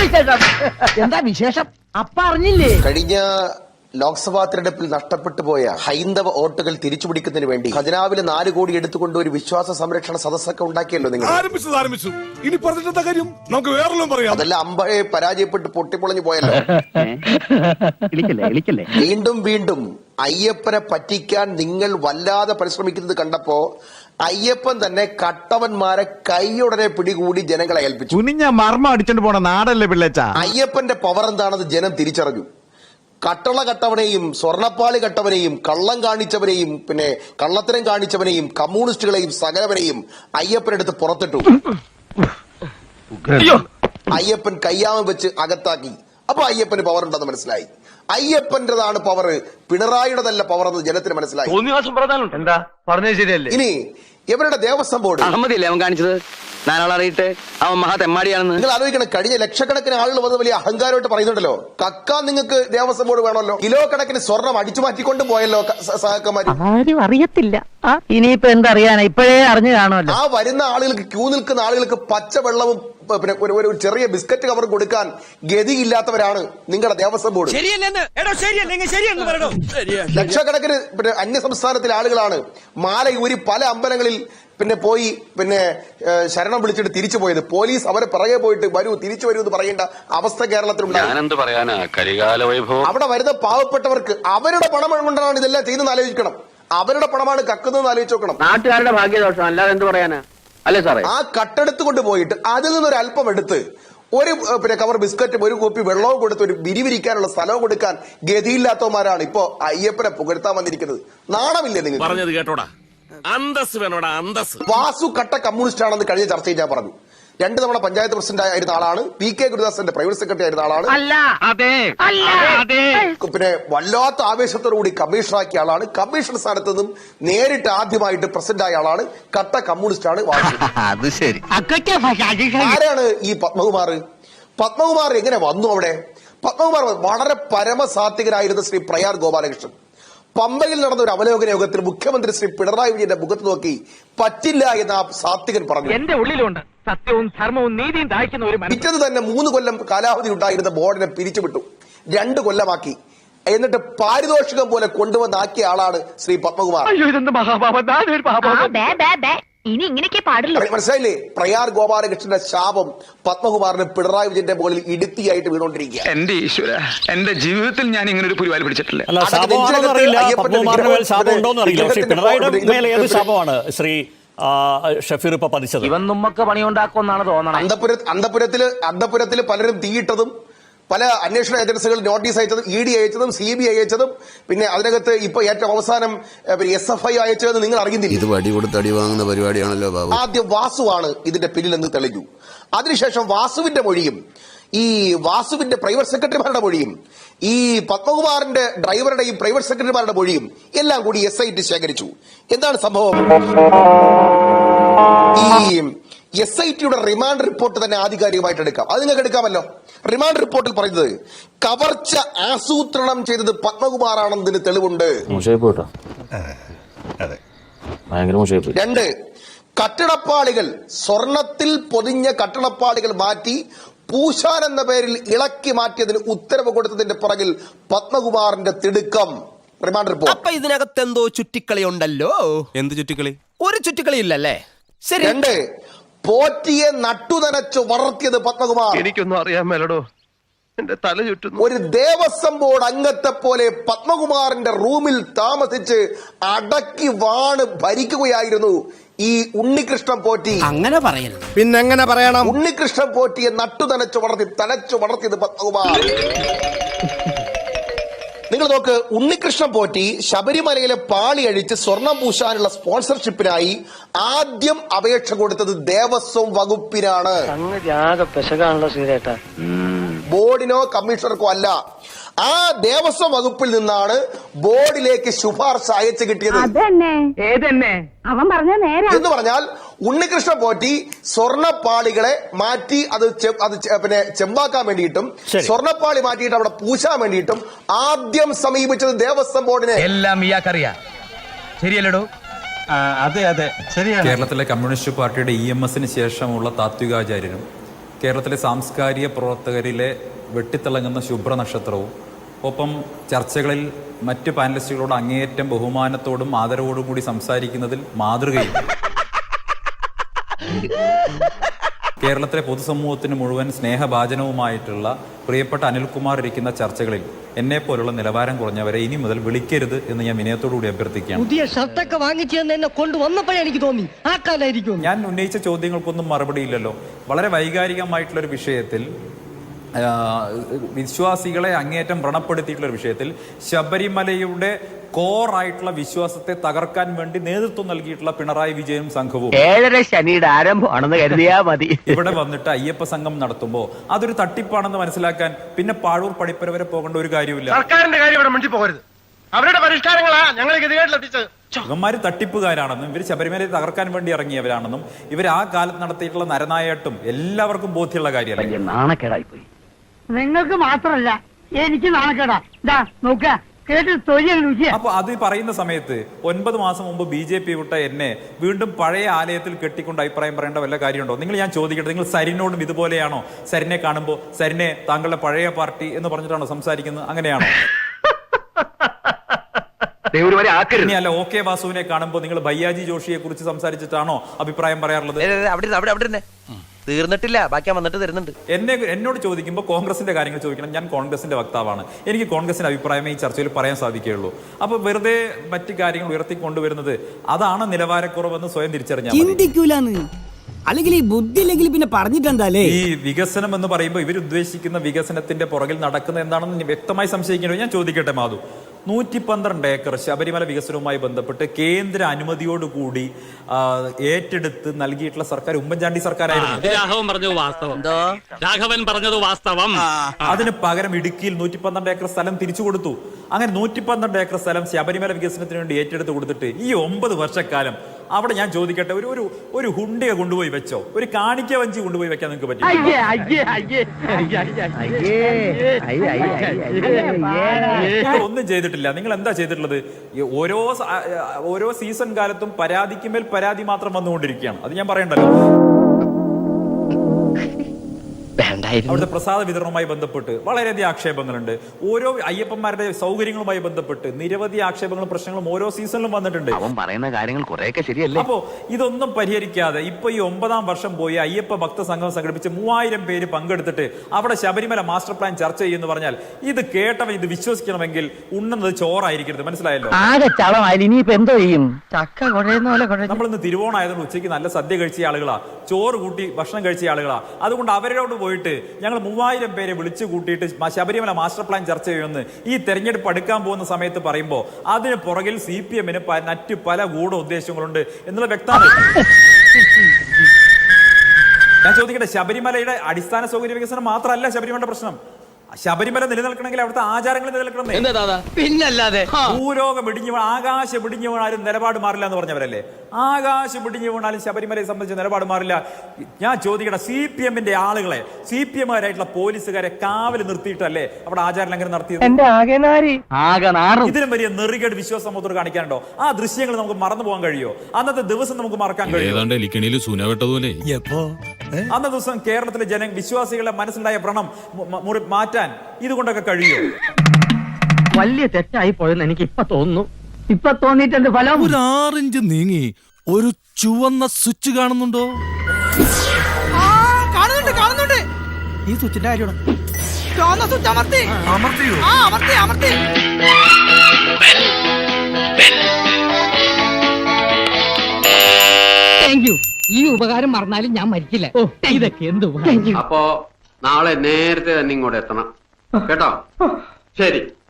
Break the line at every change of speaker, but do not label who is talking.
എന്താ വിശേഷം? അപ്പ അറിഞ്ഞില്ലേ?
കഴിഞ്ഞ ലോക്സഭാ തെരഞ്ഞെടുപ്പിൽ നഷ്ടപ്പെട്ടു പോയ ഹൈന്ദവ വോട്ടുകൾ തിരിച്ചുപിടിക്കുന്നതിന് വേണ്ടി ഖജനാവില് 4 കോടി എടുത്തുകൊണ്ട് ഒരു വിശ്വാസ സംരക്ഷണ സദസ്സൊക്കെ ഉണ്ടാക്കിയല്ലോ നിങ്ങൾ.
ഇനി പറഞ്ഞിട്ട് കാര്യം നമുക്ക് വേറെല്ലാം പറയാം.
അതെല്ലാം അമ്പഴെ പരാജയപ്പെട്ട് പൊട്ടിപ്പൊളഞ്ഞു പോയല്ലോ. വീണ്ടും വീണ്ടും അയ്യപ്പനെ പറ്റിക്കാൻ നിങ്ങൾ വല്ലാതെ പരിശ്രമിക്കുന്നത് കണ്ടപ്പോ അയ്യപ്പൻ തന്നെ കട്ടവന്മാരെ കൈയുടനെ പിടികൂടി ജനങ്ങളെ ഏൽപ്പിച്ചു.
കുനിഞ്ഞ മർമ്മ അടിച്ചോണ്ട് പോണ നാടല്ലേ പിള്ളേച്ച.
അയ്യപ്പന്റെ പവർ എന്താണെന്ന് ജനം തിരിച്ചറിഞ്ഞു. കട്ടള കട്ടവനെയും സ്വർണപ്പാളി കട്ടവനെയും കള്ളം കാണിച്ചവനെയും പിന്നെ കള്ളത്തരം കാണിച്ചവനെയും കമ്മ്യൂണിസ്റ്റുകളെയും സകലവനെയും അയ്യപ്പനെടുത്ത് പുറത്തിട്ടു. അയ്യപ്പൻ കയ്യാമം വെച്ച് അകത്താക്കി. അപ്പൊ അയ്യപ്പന് പവർ ഉണ്ടെന്ന് മനസ്സിലായി. അയ്യപ്പന്റേതാണ് പവർ, പിണറായിയുടേതല്ല പവർ എന്ന് ജനത്തിന് മനസ്സിലായി.
എന്താ പറഞ്ഞത് ശരിയല്ലേ?
ഇനി ഇവരുടെ ദേവസ്വം ബോർഡ്
അഹമ്മദില്ലേ അവൻ കാണിച്ചത്? നാലാളറിയിട്ട് അവൻ മഹാ തെമ്മാടിയാണെന്ന്
നിങ്ങൾ ആലോചിക്കണം. കഴിഞ്ഞ ലക്ഷക്കണക്കിന് ആളുകൾ വന്ന് വലിയ അഹങ്കാരമായിട്ട് പറയുന്നുണ്ടല്ലോ, കക്കാൻ നിങ്ങൾക്ക് ദേവസ്വം ബോർഡ് വേണമല്ലോ. കിലോ കണക്കിന് സ്വർണം അടിച്ചു മാറ്റിക്കൊണ്ട് പോയല്ലോ സഹക്കന്മാര്.
ആരും അറിയത്തില്ല. ഇനിയിപ്പോ എന്തറിയാനാ, ഇപ്പോഴേ അറിഞ്ഞു കാണുമല്ലോ.
ആ വരുന്ന ആളുകൾക്ക്, ക്യൂ നിൽക്കുന്ന ആളുകൾക്ക് പച്ചവെള്ളവും പിന്നെ ഒരു ചെറിയ ബിസ്ക്കറ്റ് കവർ കൊടുക്കാൻ ഗതിയില്ലാത്തവരാണ് നിങ്ങളുടെ ദേവസ്വം ബോർഡ്. ലക്ഷക്കണക്കിന് പിന്നെ അന്യ സംസ്ഥാനത്തിലെ ആളുകളാണ് മാല ഊരി പല അമ്പലങ്ങളിൽ പിന്നെ പോയി പിന്നെ ശരണം വിളിച്ചിട്ട് തിരിച്ചു പോയത്. പോലീസ് അവരെ പിറകെ പോയിട്ട് വരൂ തിരിച്ചു വരൂ എന്ന് പറയേണ്ട അവസ്ഥ കേരളത്തിലുണ്ടായി. അവിടെ വരുന്ന പാവപ്പെട്ടവർക്ക് അവരുടെ പണം കൊണ്ടാണ് ഇതെല്ലാം ചെയ്യുന്നതെന്ന് ആലോചിക്കണം. അവരുടെ പണമാണ് കക്കുന്നതെന്ന് ആലോചിച്ച് നോക്കണം.
നാട്ടുകാരുടെ ഭാഗ്യദോഷം അല്ലാതെ എന്ത് പറയാനാ? അല്ലേ സാറേ?
ആ കട്ടെടുത്ത് കൊണ്ടുപോയിട്ട് അതിൽ നിന്നൊരു അല്പം എടുത്ത് ഒരു പിന്നെ കവർ ബിസ്ക്കറ്റും ഒരു കോപ്പി വെള്ളവും കൊടുത്ത് ഒരു വിരിവിരിക്കാനുള്ള സ്ഥലവും കൊടുക്കാൻ ഗതിയില്ലാത്തവന്മാരാണ് ഇപ്പോ അയ്യപ്പനെ പുകഴ്ത്താൻ വന്നിരിക്കുന്നത്. നാണമില്ലേ നിങ്ങൾ?
പറഞ്ഞത് കേട്ടോടാ, അന്തസ് വേണോടാ അന്തസ്.
വാസു കട്ട കമ്മ്യൂണിസ്റ്റ് ആണെന്ന് കഴിഞ്ഞ ചർച്ചയിൽ ഞാൻ പറഞ്ഞു. 2 തവണ പഞ്ചായത്ത് പ്രസിഡന്റ് ആയിരുന്ന ആളാണ്. PK ഗുരുദാസന്റെ പ്രൈവറ്റ് സെക്രട്ടറി ആയിരുന്ന ആളാണ്. പിന്നെ വല്ലാത്ത ആവേശത്തോടുകൂടി കമ്മീഷണറാക്കിയ ആളാണ്. കമ്മീഷണർ സ്ഥാനത്ത് നിന്നും നേരിട്ട് ആദ്യമായിട്ട് പ്രസിഡന്റ് ആയ ആളാണ്. കട്ട കമ്മ്യൂണിസ്റ്റ് ആണ് വാസു.
അത് ശരി.
ആരാണ് ഈ പത്മകുമാർ? പത്മകുമാർ എങ്ങനെ വന്നു അവിടെ? പത്മകുമാർ വളരെ പരമസാത്വികനായിരുന്ന ശ്രീ പ്രയാർ ഗോപാലകൃഷ്ണൻ പമ്പയിൽ നടന്ന ഒരു അവലോകന യോഗത്തിൽ മുഖ്യമന്ത്രി ശ്രീ പിണറായി വിജയന്റെ മുഖത്ത് നോക്കി പറ്റില്ല എന്ന് ആ സാത്വികൻ പറഞ്ഞു.
എന്റെ ഉള്ളിലുണ്ട് സത്യവും ധർമ്മവും നീതിയും ദാഹിക്കുന്ന ഒരു മനുഷ്യൻ.
പിറ്റേന്ന് തന്നെ 3 കൊല്ലം കാലാവധി ഉണ്ടായിരുന്ന ബോർഡിനെ പിരിച്ചുവിട്ടു. 2 കൊല്ലമാക്കി. എന്നിട്ട് പാരിതോഷികം പോലെ കൊണ്ടുവന്നാക്കിയ ആളാണ് ശ്രീ പത്മകുമാർ.
ഇനി ഇങ്ങനെയൊക്കെ പാടില്ല.
മനസ്സിലായില്ലേ? പ്രയാർ ഗോപാലകൃഷ്ണന്റെ ശാപം പത്മകുമാറിന് പിണറായി വിജയന്റെ മുകളിൽ ഇടുത്തിയായിട്ട് വീണോണ്ടിരിക്കുക.
എന്റെ ഈശ്വര, എന്റെ ജീവിതത്തിൽ ഞാൻ ഇങ്ങനെ ഒരു പുരിവാലി പിടിച്ചിട്ടില്ല.
ഷഫീർ ഇപ്പൊ പതിച്ചത്
ഇവൻ നമ്മക്ക് പണിയുണ്ടാക്കുമെന്നാണ് തോന്നണം.
അന്തപുരത്തിൽ പലരും തീയിട്ടതും പല അന്വേഷണ ഏജൻസികൾ നോട്ടീസ് അയച്ചതും ED അയച്ചതും CBI അയച്ചതും പിന്നെ അതിനകത്ത് ഇപ്പൊ ഏറ്റവും അവസാനം SFI അയച്ചതെന്ന് നിങ്ങൾ അറിയുന്നില്ല.
ഇത് വടി കൊടുത്ത് അടി വാങ്ങുന്ന പരിപാടിയാണല്ലോ ബാബു.
ആദ്യം വാസുവാണ് ഇതിന്റെ പിന്നിലെന്ന് തെളിഞ്ഞു. അതിനുശേഷം വാസുവിന്റെ മൊഴിയും ഈ വാസുവിന്റെ പ്രൈവറ്റ് സെക്രട്ടറിമാരുടെ മൊഴിയും ഈ പത്മകുമാറിന്റെ ഡ്രൈവറുടെയും പ്രൈവറ്റ് സെക്രട്ടറിമാരുടെ മൊഴിയും എല്ലാം കൂടി SIT ശേഖരിച്ചു. എന്താണ് സംഭവം? ഈ SITയുടെ റിമാൻഡ് റിപ്പോർട്ട് തന്നെ ആധികാരികമായിട്ട് എടുക്കാം. അത് നിങ്ങൾക്ക് എടുക്കാമല്ലോ. റിമാൻഡ് റിപ്പോർട്ടിൽ പറയുന്നത് കവർച്ച ആസൂത്രണം ചെയ്തത് പത്മകുമാറാണെന്നതിന് തെളിവുണ്ട്. 2 കട്ടടപ്പാളികൾ സ്വർണത്തിൽ പൊതിഞ്ഞ കട്ടടപ്പാളികൾ മാറ്റി പൂശാൻ എന്ന പേരിൽ ഇളക്കി മാറ്റിയതിന് ഉത്തരവ് കൊടുത്തതിന്റെ പുറകിൽ പത്മകുമാറിന്റെ തിടുക്കം. Remand report.
അപ്പൊ ഇതിനകത്ത് എന്തോ ചുറ്റിക്കളി ഉണ്ടല്ലോ.
എന്ത് ചുറ്റിക്കളി?
ഒരു ചുറ്റിക്കളി ഇല്ലല്ലേ? ശരി.
2 പോറ്റിയെ നട്ടുനനച്ചു വളർത്തിയത് പത്മകുമാർ.
എനിക്കൊന്നും അറിയാൻ മേലടോ, എന്റെ തല ചുറ്റുന്നു.
ഒരു ദേവസ്വം ബോർഡ് അംഗത്തെ പോലെ പത്മകുമാറിന്റെ റൂമിൽ താമസിച്ച് അടക്കി വാണ് ഭരിക്കുകയായിരുന്നു ഈ ഉണ്ണികൃഷ്ണൻ പോറ്റി.
അങ്ങനെ പറയരുത്. പിന്നെങ്ങനെ പറയണം?
ഉണ്ണികൃഷ്ണൻ പോറ്റിയെ നട്ടുനനച്ചു വളർത്തിയത് പത്മകുമാർ. നിങ്ങൾ നോക്ക്, ഉണ്ണികൃഷ്ണൻ പോറ്റി ശബരിമലയിലെ പാളി അഴിച്ച് സ്വർണം പൂശാനുള്ള സ്പോൺസർഷിപ്പിനായി ആദ്യം അപേക്ഷ കൊടുത്തത് ദേവസ്വം വകുപ്പിനാണ്. ബോർഡിനോ കമ്മീഷണർക്കോ അല്ല. ആ ദേവസ്വം വകുപ്പിൽ നിന്നാണ് ബോർഡിലേക്ക് ശുപാർശ അയച്ചു കിട്ടിയത്.
അവൻ പറഞ്ഞ നേരെ
എന്ന് പറഞ്ഞാൽ ഉണ്ണികൃഷ്ണൻ പോറ്റി സ്വർണപ്പാളികളെ മാറ്റി അത് പിന്നെ ചെമ്പാക്കാൻ വേണ്ടിയിട്ടും സ്വർണപ്പാളി മാറ്റിയിട്ട് അവിടെ പൂശാൻ വേണ്ടിയിട്ടും ആദ്യം സമീപിച്ചത് ദേവസ്വം ബോർഡിനെ.
എല്ലാം ഇയാൾക്കറിയാം. ശരിയല്ലടോ?
അതെ അതെ ശരിയാണ്.
കേരളത്തിലെ കമ്മ്യൂണിസ്റ്റ് പാർട്ടിയുടെ EMSന് ശേഷമുള്ള താത്വികാചാര്യനും
കേരളത്തിലെ സാംസ്കാരിക പ്രവർത്തകരിലെ വെട്ടിത്തിളങ്ങുന്ന ശുഭ്രനക്ഷത്രവും ഒപ്പം ചർച്ചകളിൽ മറ്റ് പാനലിസ്റ്റുകളോട് അങ്ങേയറ്റം ബഹുമാനത്തോടും ആദരവോടും കൂടി സംസാരിക്കുന്നതിൽ മാതൃകയും കേരളത്തിലെ പൊതുസമൂഹത്തിന് മുഴുവൻ സ്നേഹഭാജനവുമായിട്ടുള്ള പ്രിയപ്പെട്ട അനിൽകുമാർ ഇരിക്കുന്ന ചർച്ചകളിൽ എന്നെ പോലുള്ള നിലവാരം കുറഞ്ഞവരെ ഇനി മുതൽ വിളിക്കരുത് എന്ന് ഞാൻ വിനയത്തോടുകൂടി അഭ്യർത്ഥിക്കുകയാണ്.
പുതിയ ഷർട്ടൊക്കെ വാങ്ങിച്ചു എന്നെ കൊണ്ടുവന്നപ്പോഴേ എനിക്ക് തോന്നി ആ കാലായിരിക്കും.
ഞാൻ ഉന്നയിച്ച ചോദ്യങ്ങൾക്കൊന്നും മറുപടിയില്ലല്ലോ. വളരെ വൈകാരികമായിട്ടുള്ളൊരു വിഷയത്തിൽ, വിശ്വാസികളെ അങ്ങേയറ്റം വ്രണപ്പെടുത്തിയിട്ടുള്ള വിഷയത്തിൽ, ശബരിമലയുടെ കോറായിട്ടുള്ള വിശ്വാസത്തെ തകർക്കാൻ വേണ്ടി നേതൃത്വം നൽകിയിട്ടുള്ള പിണറായി വിജയനും സംഘവും
7:30 ശനിയുടെ ആരംഭമാണെന്ന് കരുതിയാ മതി.
ഇവിടെ വന്നിട്ട് അയ്യപ്പ സംഘം നടത്തുമ്പോൾ അതൊരു തട്ടിപ്പാണെന്ന് മനസ്സിലാക്കാൻ പിന്നെ പാഴൂർ പടിപ്പര വരെ പോകേണ്ട ഒരു കാര്യമില്ല.
സർക്കാരിന്റെ കാര്യം ഇവിടെ മുന്നിൽ പോകരുത്. അവരുടെ പരിഷ്കാരങ്ങളാ ഞങ്ങൾ ഗതികേട്ടിലെത്തിച്ചത്.
ഇവന്മാര് തട്ടിപ്പുകാരാണെന്നും ഇവർ ശബരിമലയെ തകർക്കാൻ വേണ്ടി ഇറങ്ങിയവരാണെന്നും ഇവർ ആ കാലത്ത് നടത്തിയിട്ടുള്ള നരനായിട്ടും എല്ലാവർക്കും ബോധ്യമുള്ള കാര്യമല്ല.
നാണക്കേടായി പോയി.
നിങ്ങൾക്ക് മാത്രല്ല എനിക്ക് നാണക്കേടാ. നോക്ക കേട്ട് തൊഴിൽ.
അപ്പൊ അത് പറയുന്ന സമയത്ത് 9 മാസം മുമ്പ് BJP വിട്ട എന്നെ വീണ്ടും പഴയ ആലയത്തിൽ കെട്ടിക്കൊണ്ട് അഭിപ്രായം പറയേണ്ട വല്ല കാര്യമുണ്ടോ? ഞാൻ ചോദിക്കട്ടെ, നിങ്ങൾ സരിനോടും ഇതുപോലെയാണോ? സരിനെ കാണുമ്പോൾ സരിനെ താങ്കളുടെ പഴയ പാർട്ടി എന്ന് പറഞ്ഞിട്ടാണോ സംസാരിക്കുന്നത്? അങ്ങനെയാണോ? ഇനി അല്ല, OK വാസുവിനെ കാണുമ്പോൾ നിങ്ങൾ ഭയ്യാജി ജോഷിയെ കുറിച്ച് സംസാരിച്ചിട്ടാണോ അഭിപ്രായം പറയാറുള്ളത്?
തീർന്നിട്ടില്ല, ബാക്കി വന്നിട്ട് തരുന്നുണ്ട്.
എന്നോട് ചോദിക്കുമ്പോൾ കോൺഗ്രസിന്റെ കാര്യങ്ങൾ ചോദിക്കണം. ഞാൻ കോൺഗ്രസിന്റെ വക്താവാണ്. എനിക്ക് കോൺഗ്രസിന്റെ അഭിപ്രായമേ ഈ ചർച്ചയിൽ പറയാൻ സാധിക്കുകയുള്ളൂ. അപ്പൊ വെറുതെ മറ്റു കാര്യങ്ങൾ ഉയർത്തിക്കൊണ്ടുവരുന്നത് അതാണ് നിലവാരക്കുറവെന്ന് സ്വയം തിരിച്ചറിഞ്ഞാൽ
അല്ലെങ്കിൽ ഈ ബുദ്ധി ഇല്ലെങ്കിൽ പിന്നെ പറഞ്ഞിട്ടെന്താലേ.
ഈ വികസനം എന്ന് പറയുമ്പോൾ ഇവർ ഉദ്ദേശിക്കുന്ന വികസനത്തിന്റെ പുറകിൽ നടക്കുന്ന എന്താണെന്ന് വ്യക്തമായി സംശയിക്കേണ്ടി. ഞാൻ ചോദിക്കട്ടെ മാധു, 112 ഏക്കർ ശബരിമല വികസനവുമായി ബന്ധപ്പെട്ട് കേന്ദ്ര അനുമതിയോടുകൂടി ഏറ്റെടുത്ത് നൽകിയിട്ടുള്ള സർക്കാർ ഉമ്മൻചാണ്ടി സർക്കാരായിരുന്നു.
രാഘവൻ പറഞ്ഞത് വാസ്തവം.
അതിന് പകരം ഇടുക്കിയിൽ 112 ഏക്കർ സ്ഥലം തിരിച്ചു കൊടുത്തു. അങ്ങനെ 112 ഏക്കർ സ്ഥലം ശബരിമല വികസനത്തിന് വേണ്ടി ഏറ്റെടുത്ത് കൊടുത്തിട്ട് ഈ 9 വർഷക്കാലം അവിടെ ഞാൻ ചോദിക്കട്ടെ, ഒരു ഹുണ്ടിയ കൊണ്ടുപോയി വെച്ചോ? ഒരു കാണിക്ക വഞ്ചി കൊണ്ടുപോയി വെക്കാൻ നിങ്ങൾക്ക് പറ്റും? ഒന്നും ചെയ്തിട്ടില്ല. നിങ്ങൾ എന്താ ചെയ്തിട്ടുള്ളത്? ഓരോ സീസൺ കാലത്തും പരാതിക്കുമേൽ പരാതി മാത്രം വന്നുകൊണ്ടിരിക്കുകയാണ്. അത് ഞാൻ പറയണ്ടല്ലോ. അവിടുത്തെ പ്രസാദ വിതരണവുമായി ബന്ധപ്പെട്ട് വളരെയധികം ആക്ഷേപങ്ങളുണ്ട്. ഓരോ അയ്യപ്പന്മാരുടെ സൗകര്യങ്ങളുമായി ബന്ധപ്പെട്ട് നിരവധി ആക്ഷേപങ്ങളും പ്രശ്നങ്ങളും ഓരോ സീസണിലും വന്നിട്ടുണ്ട്.
അവൻ പറയുന്ന കാര്യങ്ങൾ കുറെയൊക്കെ ശരിയല്ലേ?
അപ്പോ ഇതൊന്നും പരിഹരിക്കാതെ ഇപ്പൊ ഈ 9ാം വർഷം പോയി അയ്യപ്പ ഭക്ത സംഘം സംഘടിപ്പിച്ച് 3000 പേര് പങ്കെടുത്തിട്ട് അവിടെ ശബരിമല മാസ്റ്റർ പ്ലാൻ ചർച്ച ചെയ്യുന്നു പറഞ്ഞാൽ ഇത് കേട്ടവൻ ഇത് വിശ്വസിക്കണമെങ്കിൽ ഉണ്ണുന്നത് ചോറായിരിക്കരുത്. മനസ്സിലായല്ലോ?
ആകെ ചളമായി. ഇനിയിപ്പോ എന്തോ ചെയ്യും? ചക്ക കുഴയുന്ന പോലെ.
നമ്മളിന്ന് തിരുവോണമായതുകൊണ്ട് ഉച്ചയ്ക്ക് നല്ല സദ്യ കഴിച്ച ആളുകളാ, ചോറ് കൂട്ടി ഭക്ഷണം കഴിച്ച ആളുകളാ. അതുകൊണ്ട് അവരോട് പോയിട്ട് ഞങ്ങൾ 3000 പേരെ വിളിച്ചു കൂട്ടിയിട്ട് ശബരിമല മാസ്റ്റർ പ്ലാൻ ചർച്ച ചെയ്യുമെന്ന് ഈ തെരഞ്ഞെടുപ്പ് അടുക്കാൻ പോകുന്ന സമയത്ത് പറയുമ്പോൾ അതിന് പുറകിൽ CPM-ന് മറ്റു പല ഗൂഢ ഉദ്ദേശങ്ങളുണ്ട് എന്നുള്ള വ്യക്തമാണ്. ഞാൻ ചോദിക്കട്ടെ, ശബരിമലയുടെ അടിസ്ഥാന സൗകര്യ വികസനം മാത്രമല്ല ശബരിമലയുടെ പ്രശ്നം. ശബരിമല നിലനിൽക്കണമെങ്കിൽ അവിടുത്തെ ആചാരങ്ങൾ നിലനിൽക്കണം.
പിന്നല്ലാതെ
ഭൂലോകം ഇടിഞ്ഞു വീണ, ആകാശം ഇടിഞ്ഞു വീണാലും നിലപാട് മാറില്ല എന്ന് പറഞ്ഞവരല്ലേ? ആകാശം ഇടിഞ്ഞു വീണാലും ശബരിമലയെ സംബന്ധിച്ച് നിലപാട് മാറില്ല. ഞാൻ ചോദിക്കട്ടെ, CPM-ന്റെ ആളുകളെ, CPM-കാരായിട്ടുള്ള പോലീസുകാരെ കാവൽ നിർത്തിയിട്ടല്ലേ അവിടെ ആചാര ലംഘനം നടത്തിയത്? ഇതിലും വലിയ നെറികേട് വിശ്വാസമോത്തോട് കാണിക്കാനുണ്ടോ? ആ ദൃശ്യങ്ങൾ നമുക്ക് മറന്നു പോകാൻ കഴിയോ? അന്നത്തെ ദിവസം നമുക്ക് മറക്കാൻ കഴിയും? അന്നത്തെ ദിവസം കേരളത്തിലെ വിശ്വാസികളുടെ മനസ്സിലുണ്ടായ വ്രണം മാറ്റാൻ ഇതുകൊണ്ടൊക്കെ കഴിയോ?
വലിയ തെറ്റായി പോയെന്ന് എനിക്ക് ഇപ്പൊ തോന്നുന്നു. ഇപ്പൊ തോന്നിയിട്ടുണ്ട് ഫലം.
ഒരു 6 ഇഞ്ച് നീങ്ങി ഒരു ചുവന്ന സ്വിച്ച് കാണുന്നുണ്ടോ?
കാണുന്നുണ്ട്. ഈ സ്വിച്ചിന്റെ കാര്യമാണ്. ചുവന്ന സ്വിച്ച് അമർത്തിയോ? അമർത്തി. Thank you. ഈ ഉപകാരം മറന്നാലും ഞാൻ മരിക്കില്ല. ഇതൊക്കെ എന്ത് ഉപകാരം.
അപ്പോ നാളെ നേരത്തെ തന്നെ ഇങ്ങോട്ട് എത്തണം കേട്ടോ? ശരി.